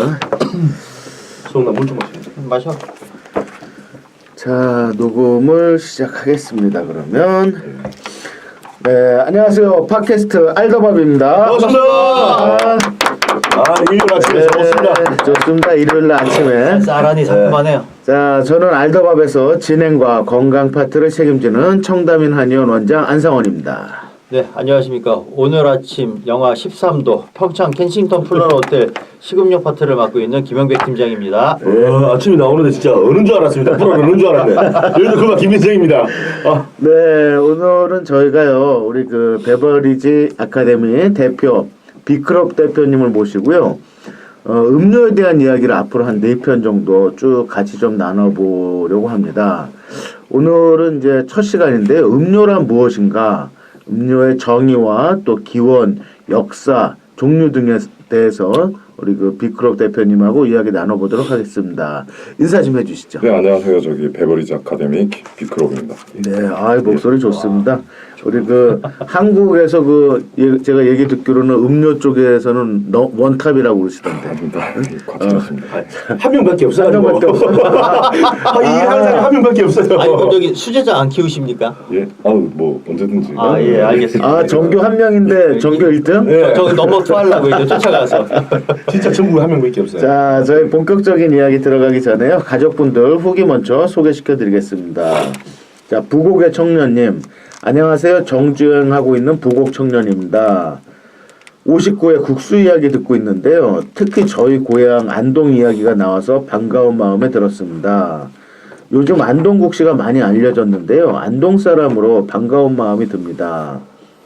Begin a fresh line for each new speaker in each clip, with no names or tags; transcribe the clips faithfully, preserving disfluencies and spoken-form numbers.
수영나 물 좀 마셔.
마셔. 자, 녹음을 시작하겠습니다. 그러면 네, 안녕하세요. 팟캐스트 알더밥입니다.
반갑습니다.
아,
아, 일요일 아침에
네,
좋습니다.
좋습니다. 일요일 아침에.
쌀하니 상큼하네요.
자, 저는 알더밥에서 진행과 건강 파트를 책임지는 청담인 한의원 원장 안상원입니다.
네, 안녕하십니까. 오늘 아침 영하 십삼 도 평창 켄싱턴 플러너 호텔 식음료 파트를 맡고 있는 김영백 팀장입니다.
어, 아침에 나오는데 진짜 어른 줄 알았습니다. 프로 어른 줄 알았네. 여기도 그만 김민정입니다. 아.
네, 오늘은 저희가요, 우리 그 베버리지 아카데미 대표 비크롭 대표님을 모시고요. 어, 음료에 대한 이야기를 앞으로 한 네 편 정도 쭉 같이 좀 나눠보려고 합니다. 오늘은 이제 첫 시간인데요. 음료란 무엇인가? 음료의 정의와 또 기원, 역사, 종류 등에 대해서 우리 그 비크롭 대표님하고 이야기 나눠보도록 하겠습니다. 인사 좀 해주시죠.
네, 안녕하세요. 저기 베버리지 아카데미 비크롭입니다.
네, 아 목소리 좋습니다. 우리 그 한국에서 그 예, 제가 얘기 듣기로는 음료 쪽에서는 너, 원탑이라고 그러시던데.
아닙니다. 과찬했습니다.
아, 한 명밖에 없어요.
한 명밖에 없어.
아, 이 항상 한 명밖에 없어요.
아니, 그럼 저기 수제자 안 키우십니까?
예, 아우 뭐 언제든지.
아, 예, 알겠습니다.
아, 정교 한 명인데 정교 일 등?
네.
저기 넘버 투 하려고 이제 쫓아가서.
진짜 전국에 한 명밖에 없어요.
자, 저희 본격적인 이야기 들어가기 전에요. 가족분들 후기 먼저 소개시켜 드리겠습니다. 자, 부곡의 청년님. 안녕하세요. 정주행하고 있는 부곡 청년입니다. 오십구 회 국수 이야기 듣고 있는데요. 특히 저희 고향 안동 이야기가 나와서 반가운 마음에 들었습니다. 요즘 안동국시가 많이 알려졌는데요. 안동 사람으로 반가운 마음이 듭니다.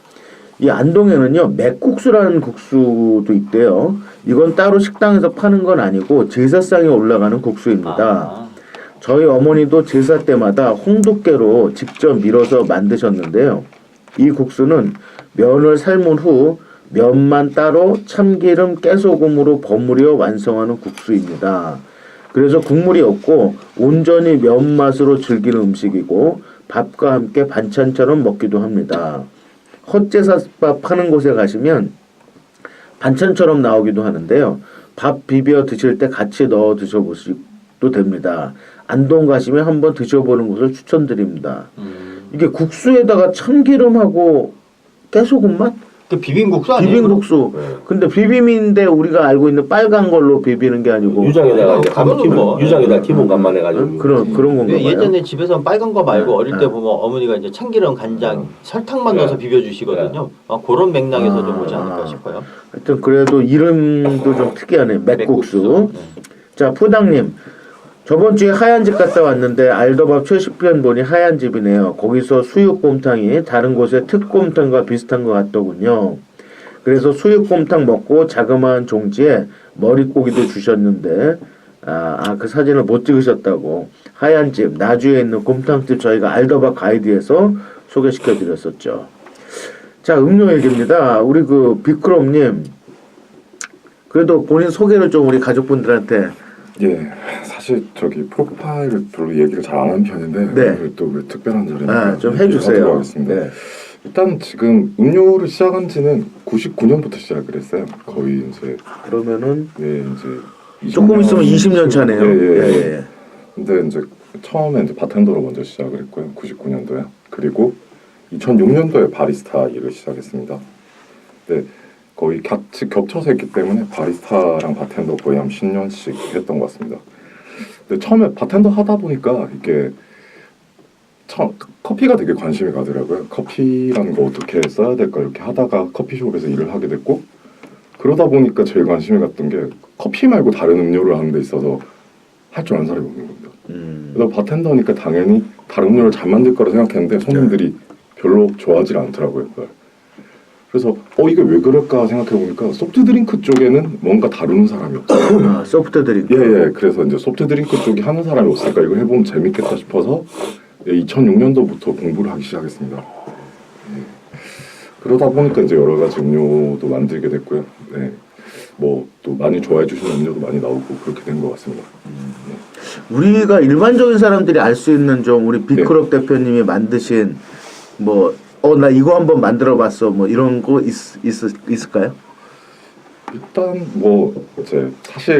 이 안동에는요, 맥국수라는 국수도 있대요. 이건 따로 식당에서 파는 건 아니고 제사상에 올라가는 국수입니다.
아.
저희 어머니도 제사 때마다 홍두깨로 직접 밀어서 만드셨는데요. 이 국수는 면을 삶은 후 면만 따로 참기름, 깨소금으로 버무려 완성하는 국수입니다. 그래서 국물이 없고 온전히 면 맛으로 즐기는 음식이고 밥과 함께 반찬처럼 먹기도 합니다. 헛제사밥 파는 곳에 가시면 반찬처럼 나오기도 하는데요. 밥 비벼 드실 때 같이 넣어 드셔보시도 됩니다. 안동 가시면 한번 드셔보는 것을 추천드립니다. 음. 이게 국수에다가 참기름하고 깨소금 맛?
그 비빔국수 아니에요?
비빔국수. 네. 근데 비빔인데 우리가 알고 있는 빨간 걸로 비비는 게 아니고
유장에다가 이제 간 기본,
뭐,
유장에다 기본 간만 해가지고.
그런 그런 건가요?
예전에 집에서 빨간 거 말고
네.
어릴 때
네.
보면 어머니가 이제 참기름, 간장,
네.
설탕만
네.
넣어서 비벼주시거든요. 아, 그런 맥락에서
아.
좀 오지 않을까 싶어요.
하여튼 그래도 이름도 좀 특이하네. 맥국수.
맥국수. 네.
자, 푸당님. 저번 주에 하얀 집 갔다 왔는데 알더밥 최신편 보니 하얀 집이네요. 거기서 수육곰탕이 다른 곳의 특곰탕과 비슷한 것 같더군요. 그래서 수육곰탕 먹고 자그마한 종지에 머릿고기도 주셨는데 아, 아, 그 사진을 못 찍으셨다고. 하얀 집, 나주에 있는 곰탕집 저희가 알더밥 가이드에서 소개시켜 드렸었죠. 자, 음료 얘기입니다. 우리 그 비크롬님, 그래도 본인 소개를 좀 우리 가족분들한테.
예, 사실 저기 프로파일을 별로 얘기를 잘 안 하는 편인데
네.
오늘 또 왜 특별한 자리니까
아, 좀 해주세요.
하겠습니다.
네.
일단 지금 음료를 시작한 지는 구십구 년부터 시작을 했어요. 거의 이제
그러면은
네 이제
조금 있으면 이십 년 차네요.
예, 예, 예.
예, 예.
근데 이제 처음에 이제 바텐더로 먼저 시작을 했고요. 구십구 년도에. 그리고 이천육 년도에 바리스타 일을 시작했습니다. 네, 거의 같이 겹쳐서 했기 때문에 바리스타랑 바텐더 거의 한 십 년씩 했던 것 같습니다. 근데 처음에 바텐더 하다 보니까 이게 처, 커피가 되게 관심이 가더라고요. 커피라는 거 어떻게 써야 될까 이렇게 하다가 커피숍에서 일을 하게 됐고, 그러다 보니까 제일 관심이 갔던 게 커피 말고 다른 음료를 하는 데 있어서 할 줄 아는 사람이 없는 겁니다.
음.
그래서 바텐더니까 당연히 다른 음료를 잘 만들 거라 생각했는데 손님들이 별로 좋아하지 않더라고요. 그걸. 그래서 어 이게 왜 그럴까 생각해 보니까 소프트 드링크 쪽에는 뭔가 다루는 사람이 없어요.
아, 소프트 드링크.
예예. 그래서 이제 소프트 드링크 쪽이 하는 사람이 없을까 이걸 해보면 재밌겠다 싶어서 예, 이천육 년도부터 공부를 하기 시작했습니다. 예. 그러다 보니까 이제 여러 가지 음료도 만들게 됐고요. 네. 뭐 또 많이 좋아해 주시는 음료도 많이 나오고 그렇게 된 것 같습니다. 네.
우리가 일반적인 사람들이 알 수 있는 좀 우리 비크롭 네. 대표님이 만드신 뭐 어 나 이거 한번 만들어봤어 뭐 이런 거 있, 있, 있을까요?
일단 뭐 이제 사실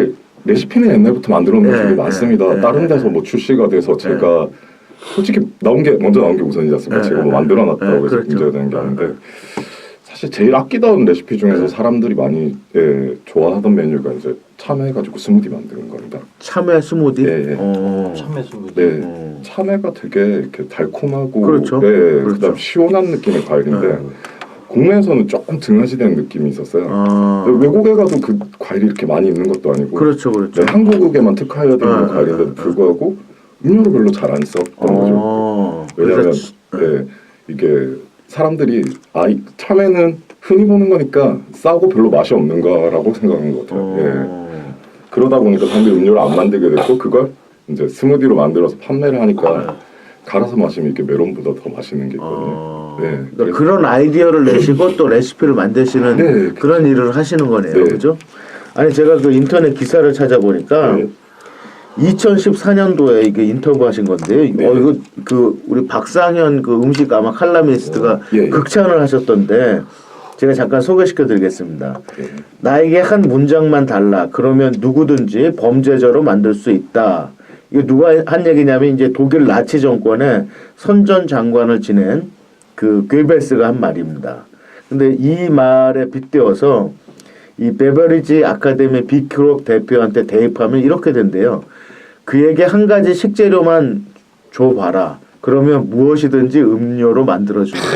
레시피는 옛날부터 만들어 놓은 게
네,
되게 많습니다.
네, 네,
다른 데서
네.
뭐 출시가 돼서 제가 솔직히 나온 게 먼저 나온 게 우선이지 않습니까?
네,
제가 뭐
네,
만들어 놨다고
네,
해서
그렇죠.
문제가 되는 게 아닌데 사실 제일 아끼던 레시피 중에서
네.
사람들이 많이 예, 좋아하던 메뉴가 이제 참외가지고 스무디 만드는 겁니다.
참외 스무디.
예, 예.
어.
참외 스무디.
네,
어.
참외가 되게 이렇게 달콤하고
그렇죠.
네,
그렇죠.
그다음 시원한 느낌의 과일인데
네.
국내에서는 조금 등한시되는 느낌이 있었어요.
아.
외국에 가도 그 과일이 이렇게 많이 있는 것도 아니고
그렇죠, 그렇죠.
네, 한국에만 특화되어 있는
네,
과일인데도
네, 네.
불구하고 음료를 별로 잘 안 썼던 거죠.
어.
왜냐하면
그래서
네, 이게 사람들이 아, 이 참외는 흔히 보는 거니까 싸고 별로 맛이 없는 거라고 생각한 것 같아요. 예.
어.
그러다 보니까 사람들이 음료를 안 만들게 됐고 그걸 이제 스무디로 만들어서 판매를 하니까 갈아서 마시면 이게 메론보다 더 맛있는 게 있거든요.
어.
네,
그러니까
그래서-
그런 아이디어를 내시고 또 레시피를 만드시는
네,
그런 일을 하시는 거네요.
네.
그죠? 아니 제가 그 인터넷 기사를 찾아보니까
네.
이천십사 년도에 이게 인터뷰하신 건데요.
네.
어 이거 그 우리 박상현 그 음식 아마 칼럼니스트가
어, 예, 예.
극찬을 하셨던데 제가 잠깐 소개시켜 드리겠습니다.
네.
나에게 한 문장만 달라. 그러면 누구든지 범죄자로 만들 수 있다. 이거 누가 한 얘기냐면 이제 독일 나치 정권의 선전 장관을 지낸 그 괴벨스가 한 말입니다. 근데 이 말에 빗대어서 이 베버리지 아카데미 비크롭 대표한테 대입하면 이렇게 된대요. 그에게 한 가지 식재료만 줘봐라. 그러면 무엇이든지 음료로 만들어준다.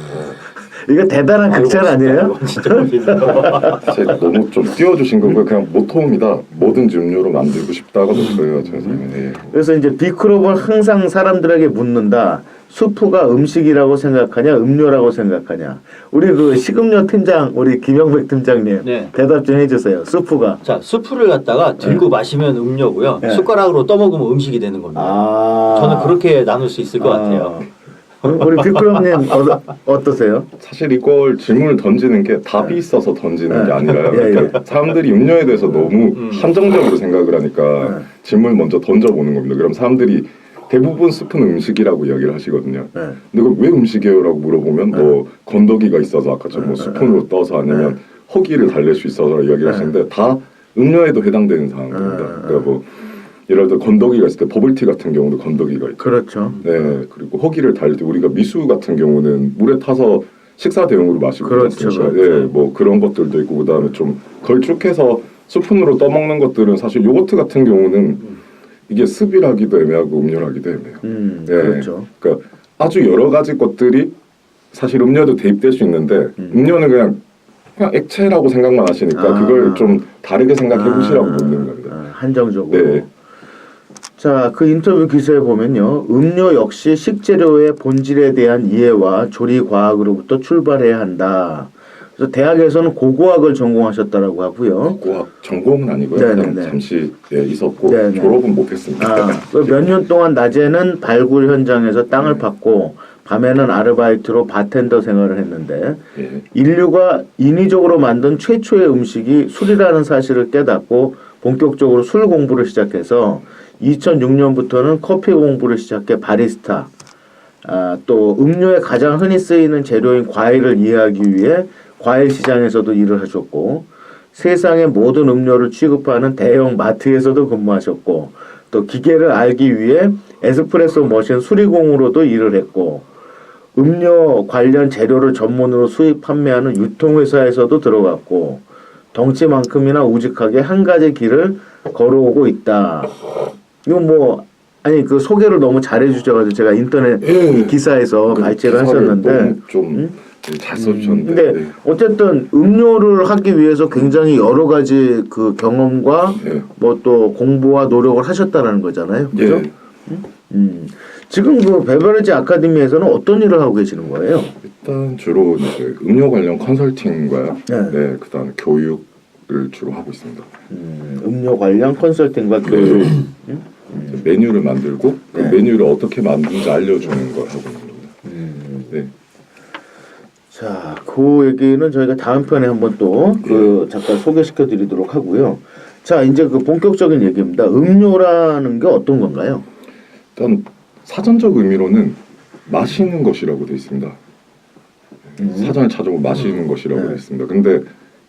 이거 대단한 극찬 아니에요?
이건 진짜 웃긴다.
제가 너무 좀 띄워주신 거고요. 그냥 모토입니다. 뭐든지 음료로 만들고 싶다가 모토예요. 제 삶에. 네.
그래서 이제 비크롭은 항상 사람들에게 묻는다. 수프가 음식이라고 생각하냐, 음료라고 생각하냐. 우리 그 식음료 팀장, 우리 김영백 팀장님
네.
대답 좀 해주세요. 수프가.
자, 수프를 갖다가 들고 마시면 음료고요.
네.
숟가락으로 떠먹으면 음식이 되는 겁니다.
아,
저는 그렇게 나눌 수 있을 것 같아요.
우리 비크롭님 어, 어떠세요?
사실 이걸 질문을 던지는 게 답이 있어서 던지는 게 아니라요.
예, 예.
그러니까 사람들이 음료에 대해서 너무
음.
한정적으로 생각을 하니까
네.
질문을 먼저 던져보는 겁니다. 그럼 사람들이 대부분 스프는 음식이라고 이야기를 하시거든요.
네.
근데 그걸 왜 음식이에요? 라고 물어보면 뭐 건더기가 있어서 아까처럼 뭐 스푼으로 떠서 아니면 허기를 달랠 수 있어서 이야기를 하시는데 다 음료에도 해당되는 상황입니다. 그러니까 뭐 예를 들어 건더기가 있을 때 버블티 같은 경우도 건더기가 있죠.
그렇죠.
네, 그리고 허기를 달릴 때 우리가 미수 같은 경우는 물에 타서 식사 대용으로 마시고
그렇죠,
그렇습니까?
그렇죠.
예, 뭐 그런 것들도 있고 그다음에 좀 걸쭉해서 스푼으로 떠먹는 것들은 사실 요거트 같은 경우는 이게 습이라기도 애매하고 음료라기도 애매해요.
음,
네,
그렇죠.
그러니까 아주 여러 가지 것들이 사실 음료도 대입될 수 있는데
음.
음료는 그냥 그냥 액체라고 생각만 하시니까
아.
그걸 좀 다르게 생각해 보시라고
아,
묻는 겁니다.
아, 한정적으로.
네.
자, 그 인터뷰 기사에 보면요. 음료 역시 식재료의 본질에 대한 이해와 조리 과학으로부터 출발해야 한다. 그래서 대학에서는 고고학을 전공하셨다라고 하고요.
고학 전공은 아니고요.
네네네.
그냥 잠시 예, 있었고
네네.
졸업은 못했습니다.
아, 몇 년 동안 낮에는 발굴 현장에서 땅을 팠고 밤에는 아르바이트로 바텐더 생활을 했는데
예.
인류가 인위적으로 만든 최초의 음식이 술이라는 사실을 깨닫고 본격적으로 술 공부를 시작해서 이천육 년부터는 커피 공부를 시작해 바리스타, 아, 또 음료에 가장 흔히 쓰이는 재료인 과일을 이해하기 위해 과일 시장에서도 일을 하셨고 세상의 모든 음료를 취급하는 대형 마트에서도 근무하셨고 또 기계를 알기 위해 에스프레소 머신 수리공으로도 일을 했고 음료 관련 재료를 전문으로 수입 판매하는 유통회사에서도 들어갔고 덩치만큼이나 우직하게 한 가지 길을 걸어오고 있다. 이거 뭐 아니 그 소개를 너무 잘해 주셔가지고 제가 인터넷
예.
기사에서 발제를 하셨는데
좀 잘 써주셨는데.
근데
네.
어쨌든 음료를 하기 위해서 굉장히 여러 가지 그 경험과
예.
뭐 또 공부와 노력을 하셨다라는 거잖아요. 그죠?
예.
음. 지금 그 베버리지 아카데미에서는 어떤 일을 하고 계시는 거예요?
일단 주로 이제 음료 관련 컨설팅과
네.
네, 그다음에 교육을 주로 하고 있습니다.
음, 음료 관련 컨설팅과 교육.
이제 메뉴를 만들고 그
네.
메뉴를 어떻게 만드는지 알려주는 걸 하고 있는 겁니다.
음.
네.
자, 그 얘기는 저희가 다음 편에 한번 또 그 잠깐 소개시켜 드리도록 하고요. 자, 이제 그 본격적인 얘기입니다. 음료라는 게 어떤 건가요?
일단 사전적 의미로는 마시는 것이라고 되어 있습니다.
음.
사전을 찾아보면 마시는 것이라고
네.
되어 있습니다. 근데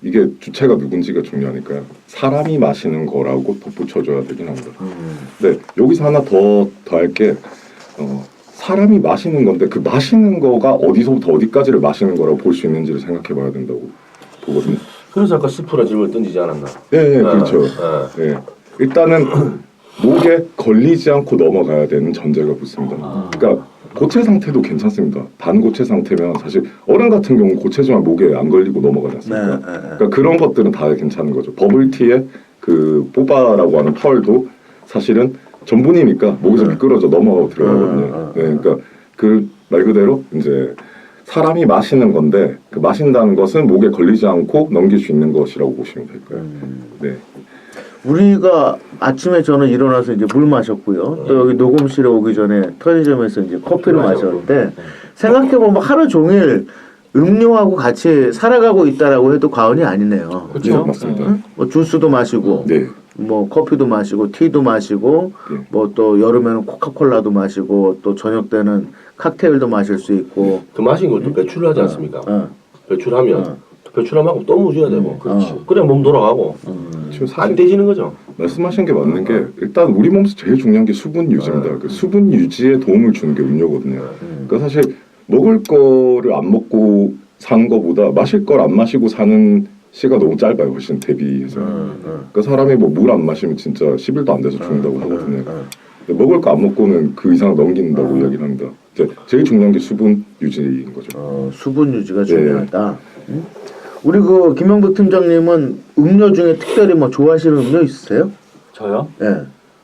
이게 주체가 누군지가 중요하니까요. 사람이 마시는 거라고 덧붙여줘야 되긴 합니다.
음.
네, 여기서 하나 더 더 할 게 어, 사람이 마시는 건데 그 마시는 거가 어디서부터 어디까지를 마시는 거라고 볼 수 있는지를 생각해봐야 된다고 보거든요.
그래서 아까 스프라 질문을 던지지 않았나?
네, 네
아,
그렇죠.
아.
네, 일단은 목에 걸리지 않고 넘어가야 되는 전제가 붙습니다.
아.
그러니까 고체 상태도 괜찮습니다. 반고체 상태면 사실 어른 같은 경우 고체지만 목에 안 걸리고 넘어가지
네,
않습니까?
네, 네.
그러니까 그런 것들은 다 괜찮은 거죠. 버블티의 그 뽀바라고 하는 펄도 사실은 전분이니까 목에서 미끄러져 넘어가고 들어가거든요. 네, 그러니까 그 말 그대로 이제 사람이 마시는 건데 그 마신다는 것은 목에 걸리지 않고 넘길 수 있는 것이라고 보시면 될 거예요. 네.
우리가 아침에 저는 일어나서 이제 물 마셨고요. 또 여기 녹음실에 오기 전에 편의점에서 이제 커피를 마셨는데 생각해보면 하루 종일 음료하고 같이 살아가고 있다라고 해도 과언이 아니네요.
네,
그렇죠?
맞습니다.
응? 뭐 주스도 마시고,
네.
뭐 커피도 마시고, 티도 마시고,
네.
뭐 또 여름에는 코카콜라도 마시고, 또 저녁 때는 칵테일도 마실 수 있고.
그 마신 걸 또 배출을 하지 않습니까?
어,
배출하면
어.
배출하면 또 무줘야 되고.
그렇지.
어. 그래 몸 돌아가고
지금
안
사실
떼지는 거죠.
말씀하신 게 맞는 게 일단 우리 몸에서 제일 중요한 게 수분 유지입니다. 그 수분 유지에 도움을 주는 게 음료거든요. 그러니까 사실 먹을 거를 안 먹고 사는 거보다 마실 걸 안 마시고 사는 시가 너무 짧아요. 훨씬 대비해서. 그러니까 사람이 뭐 물 안 마시면 진짜 십 일도 안 돼서 죽는다고 하거든요. 근데 먹을 거 안 먹고는 그 이상 넘긴다고 이야기를 합니다. 이제 제일 중요한 게 수분 유지인 거죠.
어, 수분 유지가 중요하다. 응? 우리 그 김영백 팀장님은 음료 중에 특별히 뭐 좋아하시는 음료 있으세요?
저요?
예.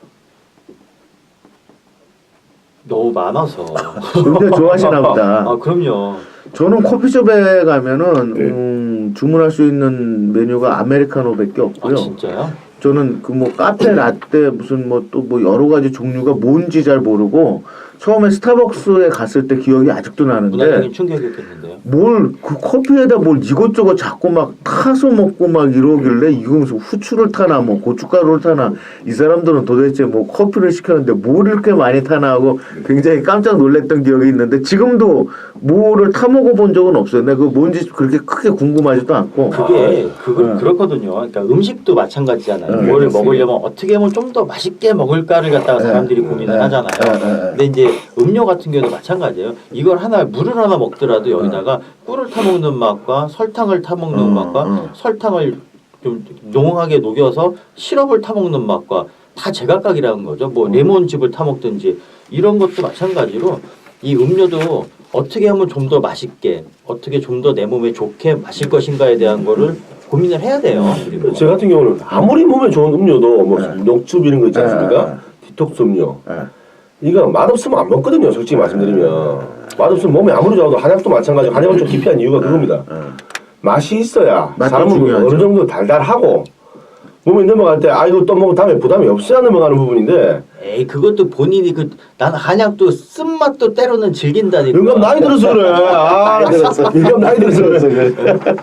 너무 많아서.
음료 좋아하시나 보다.
아 그럼요.
저는 커피숍에 가면은
네.
음, 주문할 수 있는 메뉴가 아메리카노밖에 없고요.
아 진짜요?
저는 그 뭐 카페 라떼 무슨 뭐 또 뭐 여러 가지 종류가 뭔지 잘 모르고 처음에 스타벅스에 갔을 때 기억이 아직도 나는데
문화적인 충격이었겠는데요.
뭘 그 커피에다 뭘 이것저것 자꾸 막 타서 먹고 막 이러길래 이거 무슨 후추를 타나 뭐 고춧가루를 타나 이 사람들은 도대체 뭐 커피를 시켰는데 뭘 이렇게 많이 타나 하고 굉장히 깜짝 놀랐던 기억이 있는데 지금도 뭐를 타 먹어본 적은 없어요. 내가 그 뭔지 그렇게 크게 궁금하지도 않고.
그게 그걸
네.
그렇거든요. 그러니까 음식도 마찬가지잖아요.
네,
뭐를
맞습니다.
먹으려면 어떻게 하면 좀 더 맛있게 먹을까를 갖다가 사람들이 고민을
네,
하잖아요.
네, 네, 네.
근데 이제 음료 같은 경우도 마찬가지예요. 이걸 하나 물을 하나 먹더라도 여기다가 꿀을 타 먹는 맛과 설탕을 타 먹는
음,
맛과
음.
설탕을 좀 농하게 녹여서 시럽을 타 먹는 맛과 다 제각각이라는 거죠. 뭐 레몬즙을 타 먹든지 이런 것도 마찬가지로 이 음료도 어떻게 하면 좀 더 맛있게 어떻게 좀 더 내 몸에 좋게 마실 것인가에 대한 거를 고민을 해야 돼요. 그리고
저 같은 경우는 아무리 몸에 좋은 음료도 뭐
네.
녹즙 이런 거 있지 않습니까?
네.
디톡스 음료.
예.
이거 맛없으면 안 먹거든요. 솔직히 말씀드리면. 맛없으면 몸에 아무리 좋아도 한약도 마찬가지고 한약은 좀 기피한 이유가 그겁니다. 맛이 있어야
맛도
사람은
중요하죠.
어느 정도 달달하고 몸에 넘어갈 때 아 이거 또 먹으면 다음에 부담이 없어야 넘어가는 부분인데
에이 그것도 본인이 그 난 한약도 쓴맛도 때로는 즐긴다니까.
영감 나이 들어서 그래. 아, 영감 나이 들어서 그래.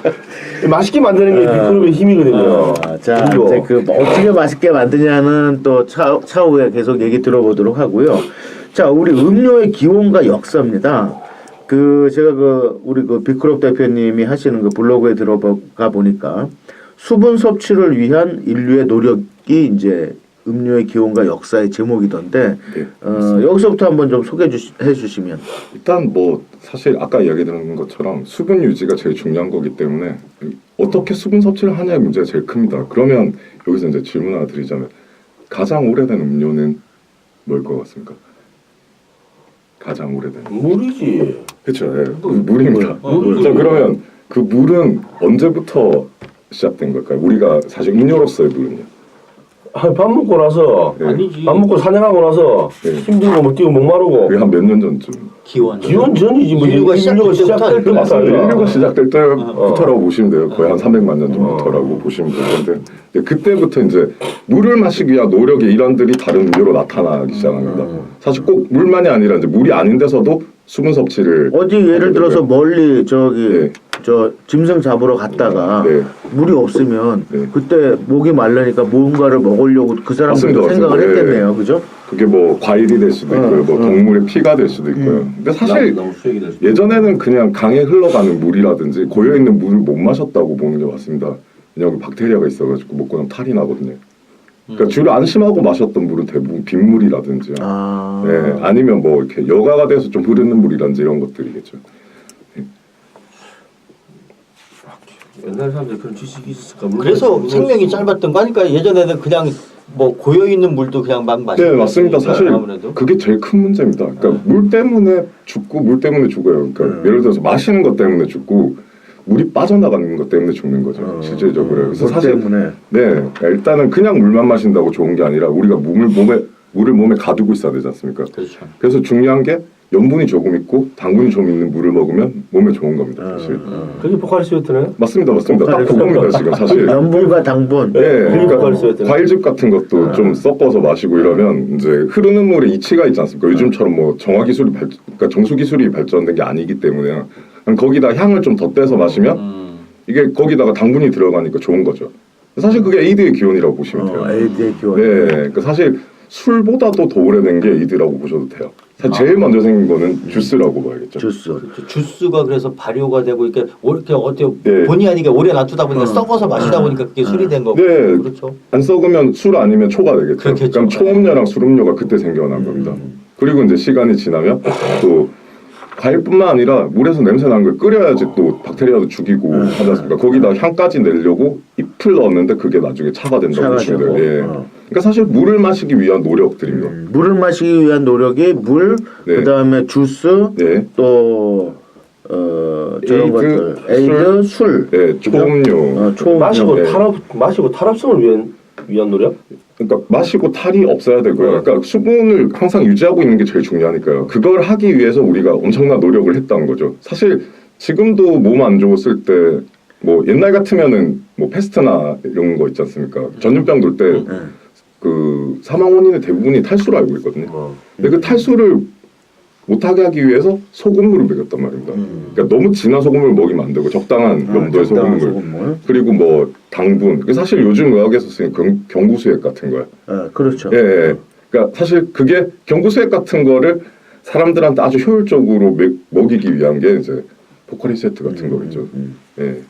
맛있게 만드는 게 비크롭의 힘이거든요.
아, 자,
그리고
이제 그 어떻게 맛있게 만드냐는 또 차, 차후에 계속 얘기 들어보도록 하고요. 자, 우리 음료의 기원과 역사입니다. 그 제가 그 우리 그 비크롭 대표님이 하시는 그 블로그에 들어가 보니까 수분 섭취를 위한 인류의 노력이 이제 음료의 기원과 역사의 제목이던데
네,
어, 여기서부터 한번 좀 소개해 주시, 해 주시면.
일단 뭐 사실 아까 이야기 드린 것처럼 수분 유지가 제일 중요한 거기 때문에 어떻게 수분 섭취를 하냐의 문제가 제일 큽니다. 그러면 여기서 이제 질문 하나 드리자면 가장 오래된 음료는 뭘 것 같습니까? 가장 오래된
물이지.
그렇죠. 예, 그 물입니다.
어, 물.
자 그러면 그 물은 언제부터 시작된 걸까요? 우리가 사실 음료로서의 물은요.
아, 밥 먹고 나서
네.
아니지.
밥 먹고 사냥하고 나서
네.
힘들고 뭐 뛰고 목마르고
그게 한 몇 년 전쯤.
기원.
기원 전이지 뭐
인류가
인류가 시작될
시작될
때부터
맞아요.
아니야.
인류가 시작될 때부터라고
어.
보시면 돼요. 거의 한 삼백만 년 전부터라고 보시면 되는데 근데 그때부터 이제 물을 마시기 위한 노력의 일환들이 다른 음료로 나타나기 시작합니다. 사실 꼭 물만이 아니라 이제 물이 아닌 데서도 수분 섭취를
어디 예를
하게
들어서
되고요.
멀리 저기
네.
저 짐승 잡으러 갔다가
네.
물이 없으면
네.
그때 목이 말라니까 뭔가를 먹으려고 그 사람들도
맞습니다,
생각을
맞습니다.
했겠네요, 그죠?
그게 뭐 과일이 될 수도 있고요, 뭐 동물의 피가 될 수도 있고요. 근데 사실
너무 수액이 될 수도
예전에는 그냥 강에 흘러가는 물이라든지 고여 있는 물을 못 마셨다고 보는 게 맞습니다. 여기 박테리아가 있어가지고 먹고 나면 탈이 나거든요. 그러니까
음.
주로 안심하고 마셨던 물은 대부분 빗물이라든지
아.
네, 아니면 뭐 이렇게 여가가 돼서 좀 흐르는 물이라든지 이런 것들이겠죠.
옛날 사람들이 그런 지식이 있었을까? 물론
그래서
물론
생명이
있었고.
짧았던 거 하니까 예전에는 그냥 뭐 고여 있는 물도 그냥 막 마시고
네 맞습니다. 사실
아무래도
그게 제일 큰 문제입니다. 그러니까
네.
물 때문에 죽고 물 때문에 죽어요. 그러니까
음.
예를 들어서 마시는 것 때문에 죽고 물이 빠져나가는 것 때문에 죽는 거죠.
어,
실질적으로. 그래서
물
사실
때문에.
네 그러니까 일단은 그냥 물만 마신다고 좋은 게 아니라 우리가 몸을 몸에 물을 몸에 가두고 있어야 되지 않습니까?
그렇죠.
그래서 중요한 게 염분이 조금 있고 당분이 좀 있는 물을 먹으면 몸에 좋은 겁니다. 사실.
어,
그게 포카리스웨트네.
맞습니다, 맞습니다. 딱
포카리
그겁니다 지금 사실.
염분과 당분.
네, 그러니까
포카리스웨트네.
과일즙 같은 것도 좀 섞어서 마시고 이러면 이제 흐르는 물에 이치가 있지 않습니까? 요즘처럼 뭐 정화 기술이 발, 그러니까 정수 기술이 발전된 게 아니기 때문에 그냥 거기다 향을 좀 덧대서 마시면
음.
이게 거기다가 당분이 들어가니까 좋은 거죠. 사실 그게 에이드의 기원이라고 보시면 돼요.
어, 에이드의 기원.
네, 그러니까 사실 술보다도 더 오래된 게 에이드라고 보셔도 돼요. 사실 제일 먼저 생긴 거는 주스라고 봐야겠죠.
주스.
그렇죠. 주스가 그래서 발효가 되고 이렇게 이렇게 어떻게
네.
본의 아니게 오래 놔두다 보니까
어.
썩어서 마시다 보니까 그게 술이 된 거고
네.
그렇죠.
안 썩으면 술 아니면 초가 되겠죠.
그렇겠죠.
그럼 초음료랑 술음료가 그때 생겨난 겁니다. 그리고 이제 시간이 지나면 또 과일뿐만 아니라 물에서 냄새 나는 걸 끓여야지 또 박테리아도 죽이고 하지 않습니까? 거기다 향까지 내려고 잎을 넣었는데 그게 나중에 차가 된다고
차가
보시면
되고.
돼요. 예.
어.
그러니까 사실 물을 마시기 위한 노력들입니다.
음, 물을 마시기 위한 노력이 물,
네.
그다음에 주스,
네.
또 어, 저런
에이드,
것들, 에이드, 술,
네,
그죠?
초음료.
어, 초음료.
마시고
네.
탈압 마시고 탈압성을 위한 위한 노력?
그러니까 마시고 탈이 없어야 되고요. 그러니까 수분을 항상 유지하고 있는 게 제일 중요하니까요. 그걸 하기 위해서 우리가 엄청난 노력을 했다는 거죠. 사실 지금도 몸 안 좋았을 때 뭐 옛날 같으면은 뭐 패스트나 이런 거 있지 않습니까? 전염병 돌 때 그 사망 원인의 대부분이 탈수로 알고 있거든요.
어.
근데 그 탈수를 못하게 하기 위해서 소금물을 먹였단 말입니다.
음.
그러니까 너무 진한 소금을 먹이면 안 되고 적당한
아,
염도의
적당한
소금물.
소금물.
그리고 뭐 당분. 그게 사실 요즘 의학에서 쓰는 경, 경구수액 같은 거예요.
어, 그렇죠.
예, 예. 그러니까 사실 그게 경구수액 같은 거를 사람들한테 아주 효율적으로 먹, 먹이기 위한 게 이제 포카리 세트 같은 거겠죠.
음.
예.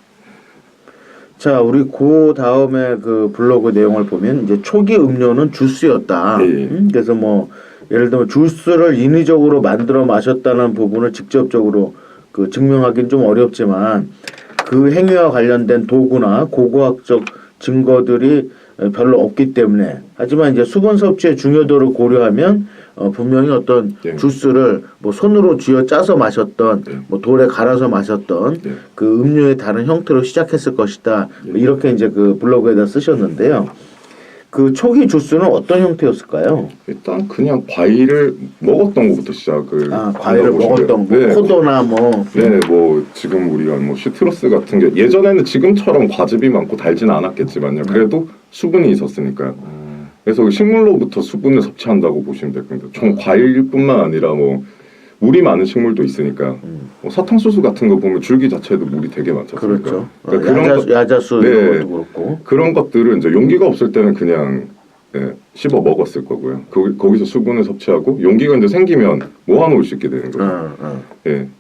자, 우리 그 다음에 그 블로그 내용을 보면 이제 초기 음료는 주스였다.
예, 예.
음, 그래서 뭐 예를 들면 주스를 인위적으로 만들어 마셨다는 부분을 직접적으로 그 증명하기는 좀 어렵지만 그 행위와 관련된 도구나 고고학적 증거들이 별로 없기 때문에 하지만 이제 수분 섭취의 중요도를 고려하면 어, 분명히 어떤
예.
주스를 뭐 손으로 쥐어 짜서 마셨던
예.
뭐 돌에 갈아서 마셨던
예.
그 음료의 다른 형태로 시작했을 것이다. 뭐 이렇게 이제 그 블로그에다 쓰셨는데요. 그 초기 주스는 어떤 형태였을까요?
일단 그냥 과일을 먹었던 것부터 시작을
아, 과일을
한다고 보시면
먹었던 뭐
돼요. 네.
포도나 뭐
네, 뭐 지금 우리가 뭐 시트러스 같은 게 예전에는 지금처럼 과즙이 많고 달지는 않았겠지만요. 그래도 수분이 있었으니까요. 그래서 식물로부터 수분을 섭취한다고 보시면 될 겁니다. 총 과일뿐만 아니라 뭐 물이 많은 식물도 있으니까 뭐 사탕수수 같은 거 보면 줄기 자체도 물이 되게 많지 않습니까?
그렇죠.
그러니까
어,
그런
야자수,
것-
야자수
네.
이런 것도 그렇고.
그런 것들을 이제 용기가 없을 때는 그냥 예, 씹어 먹었을 거고요. 거, 거기서 수분을 섭취하고 용기가 이제 생기면 모아놓을 수 있게 되는 거죠.
어, 어.
예.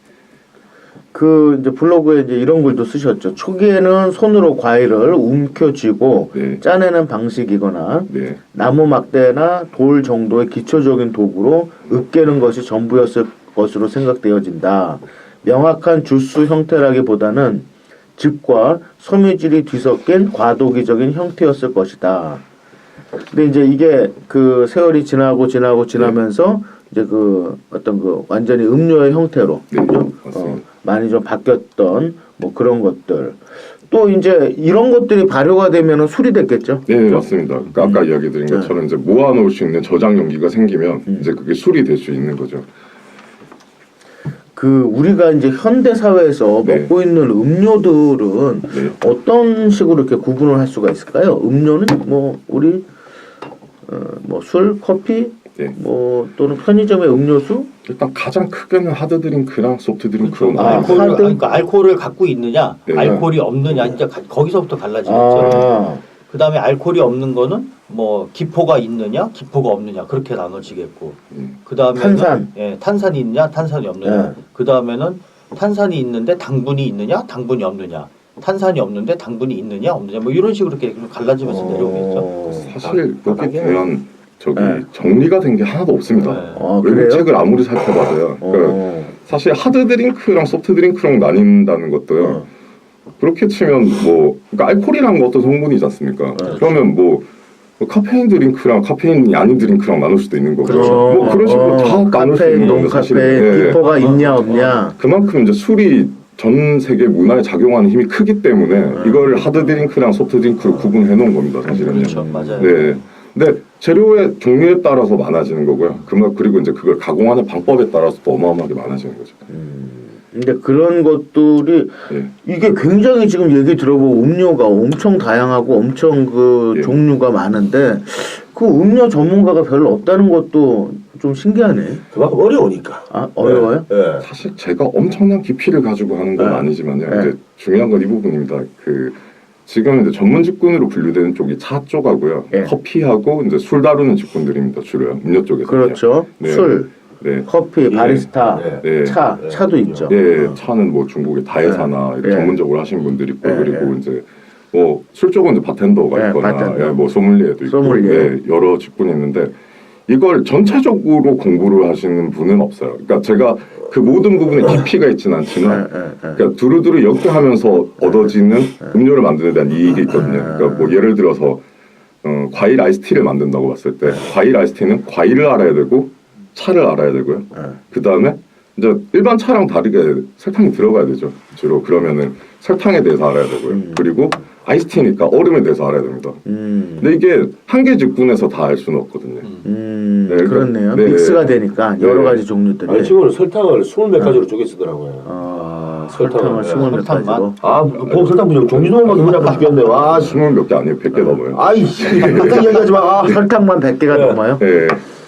그 이제 블로그에 이제 이런 글도 쓰셨죠. 초기에는 손으로 과일을 움켜쥐고
네.
짜내는 방식이거나
네.
나무 막대나 돌 정도의 기초적인 도구로 으깨는 것이 전부였을 것으로 생각되어진다. 명확한 주스 형태라기보다는 즙과 섬유질이 뒤섞인 과도기적인 형태였을 것이다. 근데 이제 이게 그 세월이 지나고 지나고 지나면서 이제 그 어떤 그 완전히 음료의 형태로
네,
그죠?
맞습니다.
어, 많이 좀 바뀌었던 뭐 그런 것들. 또 이제 이런 것들이 발효가 되면은 술이 됐겠죠.
네,
그죠?
맞습니다. 그러니까 아까 이야기 드린
네.
것처럼 이제 모아놓을 수 있는 저장 용기가 생기면
음.
이제 그게 술이 될 수 있는 거죠.
그 우리가 이제 현대 사회에서
네.
먹고 있는 음료들은
네.
어떤 식으로 이렇게 구분을 할 수가 있을까요? 음료는 뭐 우리 어, 뭐 술, 커피,
네.
뭐 또는 편의점의 음료수,
일단 가장 크게는 하드 드링크랑 소프트 드링크로
그렇죠.
아,
나눠요.
알코올,
하드?
그러니까 알코올을 갖고 있느냐,
네.
알코올이 없느냐, 이제 가- 거기서부터 갈라지겠죠.
아,
그 다음에 알코올이 없는 거는 뭐 기포가 있느냐, 기포가 없느냐 그렇게 나눠지겠고.
음.
그 다음에
탄산.
예, 탄산이 있느냐, 탄산이 없느냐.
네.
그 다음에는 탄산이 있는데 당분이 있느냐, 당분이 없느냐. 탄산이 없는데 당분이 있느냐 없느냐 뭐 이런 식으로 이렇게 갈라지면서
어.
내려오고 있죠.
사실 여기 대한 저기
네.
정리가 된 게 하나도 없습니다.
네.
아,
외국
그래요?
책을 아무리 살펴봐도요. 그러니까
어.
사실 하드 드링크랑 소프트 드링크랑 나뉜다는 것도요.
어.
그렇게 치면 뭐 그러니까 알코올이라는 거 어떤 성분이지 않습니까?
네.
그러면 뭐, 뭐 카페인 드링크랑 카페인이 아닌 드링크랑 나눌 수도 있는 거고
그렇죠.
뭐 그런 식으로 다 나눌 수
카페인,
있는
논
건데 사실
카페인, 비포가 있냐
어.
없냐.
그만큼 이제 술이 전 세계 문화에 작용하는 힘이 크기 때문에 이걸 하드 드링크랑 소프트 드링크로 구분해 놓은 겁니다, 사실은요.
그렇죠, 맞아요.
네. 근데 재료의 종류에 따라서 많아지는 거고요. 그만 그리고 이제 그걸 가공하는 방법에 따라서 또 어마어마하게 많아지는 거죠.
근데 그런 것들이
예.
이게 굉장히 지금 얘기 들어보고 음료가 엄청 다양하고 엄청 그
예.
종류가 많은데 그 음료 전문가가 별로 없다는 것도 좀 신기하네.
그만큼 어려우니까.
아 어려워요?
예.
사실 제가 엄청난 깊이를 가지고 하는 건
네.
아니지만요.
네.
이제 중요한 건 이 부분입니다. 그 지금 이제 전문 직군으로 분류되는 쪽이 차 쪽하고요.
네.
커피하고 이제 술 다루는 직군들입니다. 주로요. 음료 쪽에서.
그렇죠.
네.
술,
네.
커피, 바리스타,
네.
네.
차,
네.
차도 있죠.
예, 차는 뭐 중국의 다회사나
네.
이렇게
네.
전문적으로 하시는 분들이 있고
네.
그리고
네.
이제 뭐 술 쪽은 이제 바텐더가
네,
있거나
바텐더.
예, 뭐 소믈리에도 있고
소믈리에.
예, 여러 직군이 있는데 이걸 전체적으로 공부를 하시는 분은 없어요. 그러니까 제가 그 모든 부분에 깊이가 있지는 않지만
네, 네, 네.
그러니까 두루두루 엮여하면서 얻어지는 음료를 만드는 데 대한 이익이 있거든요. 그러니까 뭐 예를 들어서 어, 과일 아이스티를 만든다고 봤을 때 과일 아이스티는 과일을 알아야 되고 차를 알아야 되고요. 그 다음에 이제 일반 차랑 다르게 설탕이 들어가야 되죠. 주로 그러면은 설탕에 대해서 알아야 되고요. 그리고 아이스티니까 얼음에 대해서 알아야 됩니다.
음,
근데 이게 한 개 직군에서 다 알 수는 없거든요.
음,
네, 그러니까-
그렇네요.
네.
믹스가 되니까 여러
네.
가지 종류들이.
아니 지금은 설탕을 스물 몇 가지로 쪼개 쓰더라고요.
어,
설탕을,
설탕을
네.
스물 몇
설탕만?
가지로.
아, 뭐 설탕 분명 종류도만 너무 잡고 죽겠네. 와, 씨.
스물 몇 개 아니에요. 백 개 넘어요.
아이씨, 그딴 얘기하지 마. 아,
설탕만 백 개가
네.
넘어요?
예.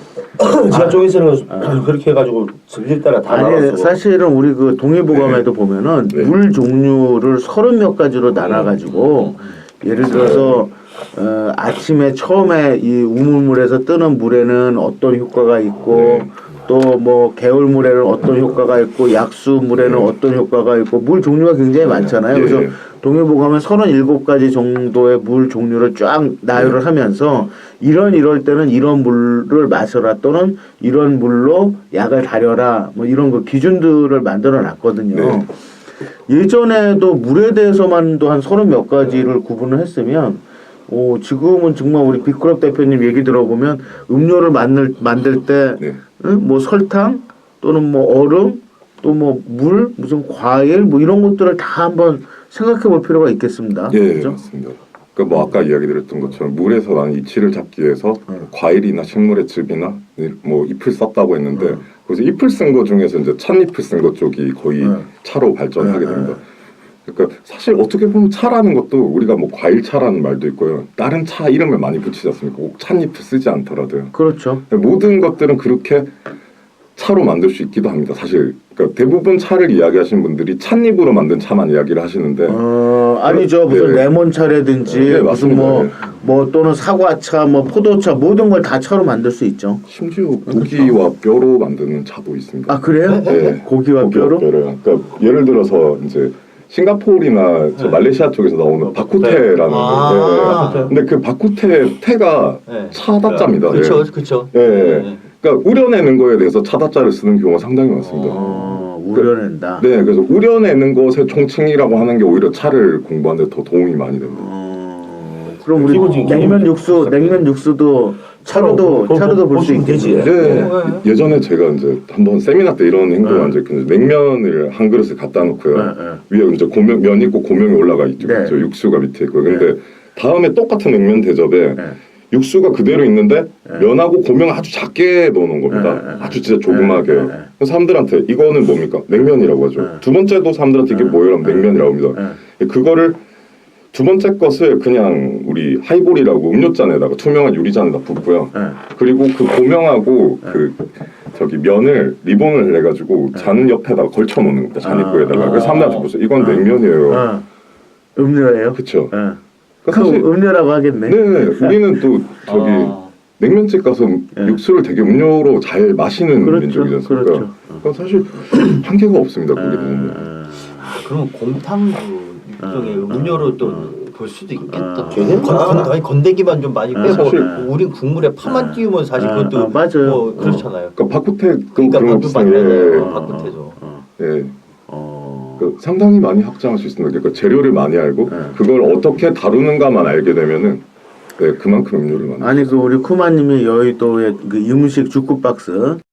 지하 쪽에서는 그렇게 해가지고 성질 따라 다
아니
나눠서
사실은 우리 그 동의보감에도 보면은
네.
물 종류를 서른 몇 가지로 나눠가지고 예를 들어서 어, 아침에 처음에 이 우물물에서 뜨는 물에는 어떤 효과가 있고 또 뭐 개울물에는 어떤 효과가 있고 약수물에는 어떤 효과가 있고 물 종류가 굉장히 많잖아요.
예.
그래서 동의보감은 서른일곱 가지 정도의 물 종류를 쫙 나열을 하면서 이런 이럴 때는 이런 물을 마셔라 또는 이런 물로 약을 다려라 뭐 이런 그 기준들을 만들어 놨거든요.
네.
예전에도 물에 대해서만도 한 서른 몇 가지를 구분을 했으면 오, 지금은 정말 우리 비크럽 대표님 얘기 들어보면 음료를 만들, 만들 때
네.
응? 뭐 설탕 또는 뭐 얼음 또 뭐 물 무슨 과일 뭐 이런 것들을 다 한번 생각해 볼 필요가 있겠습니다.
예,
그죠?
맞습니다. 그러니까 뭐 아까 이야기 드렸던 것처럼 물에서 나는 이치를 잡기 위해서
음.
과일이나 식물의 즙이나 뭐 잎을 썼다고 했는데
음.
거기서 잎을 쓴 거 중에서 이제 찻잎을 쓴 것 쪽이 거의
음.
차로 발전하게
음,
됩니다. 그러니까 사실 어떻게 보면 차라는 것도 우리가 뭐 과일차라는 말도 있고요. 다른 차 이름을 많이 붙이지 않습니까? 꼭 찻잎을 쓰지 않더라도요.
그렇죠.
모든 것들은 그렇게 차로 만들 수 있기도 합니다. 사실 그러니까 대부분 차를 이야기하시는 분들이 찻잎으로 만든 차만 이야기를 하시는데
어, 아니죠. 무슨
네.
레몬차라든지
네,
무슨
맞습니다.
뭐,
네.
뭐 또는 사과차, 뭐 포도차 모든 걸 다 차로 만들 수 있죠.
심지어 고기와 뼈로 만드는 차도 있습니다.
아 그래요?
네.
고기와 뼈로?
뼈로요. 그러니까 예를 들어서 이제 싱가포르나 저
네.
말레이시아 쪽에서 나오는 바쿠테라는
아.
거. 네. 근데 그 바쿠테 테가
네.
차다짜입니다.
그렇죠,
네.
그렇죠.
예.
네.
그러니까 우려내는 거에 대해서 차다짜를 쓰는 경우가 상당히 많습니다.
어, 우려낸다.
네, 그래서 우려내는 것의 총칭이라고 하는 게 오히려 차를 공부하는 데 더 도움이 많이 됩니다.
어, 그럼 우리
기본적인
냉면
기본-
육수, 냉면 육수도 차로도
차로
차로도 볼 수
보시면 되지.
있겠지.
네,
네.
예전에 제가 이제 한번 세미나 때 이런 행동을
네.
한 적이 있는데 냉면을 한 그릇에 갖다 놓고요.
네, 네.
위에 이제 고명 면 있고 고명이 올라가 있죠.
네.
저 육수가 밑에 있고. 근데 다음에 똑같은 냉면 대접에
네.
육수가 그대로 있는데 면하고 고명을 아주 작게 넣어놓은 겁니다.
네, 네,
아주 진짜 조그맣게.
네, 네, 네.
그래서 사람들한테 이거는 뭡니까? 냉면이라고 하죠.
네.
두 번째도 사람들한테 이게 뭐예요? 하면 냉면이라고 합니다. 그거를 두 번째 것을 그냥 우리 하이볼이라고 음료잔에다가 투명한 유리잔에다 붓고요.
네.
그리고 그 고명하고 그 저기 면을 리본을 해가지고 잔 옆에다가 걸쳐 놓는 겁니다. 잔 입구에다가.
아.
그래서 사람들한테 보세요. 이건
아.
냉면이에요.
어, 음료예요.
그렇죠.
네.
그러니까
그
사실
음료라고 하겠네.
네, 우리는 또 저기
아.
냉면집 가서
네.
육수를 되게 음료로 잘 마시는
그렇죠,
민족이지 않습니까?
그렇죠.
그럼 사실 한계가 없습니다. 그게 보면.
아,
그럼 곰탕도 일종의 음료로 또 볼 수도 있겠다.
걔는
건,
다-
건, 아니, 건더기만 좀 많이
아,
빼고
사실-
우린 국물에 파만 띄우면 사실
아,
그것도
아, 맞아요.
뭐 그렇잖아요.
그러니까 박구태도
그러니까
그런
밥도 많이
비슷한 게
하잖아요. 바꾸태도.
어,
예,
어,
그 상당히 많이 확장할 수 있습니다. 그러니까 재료를 많이 알고
네.
그걸 어떻게 다루는가만 알게 되면은 네, 그만큼 음료를 많이.
아니 그 우리 쿠마님이 여의도의 그 음식 주쿠 박스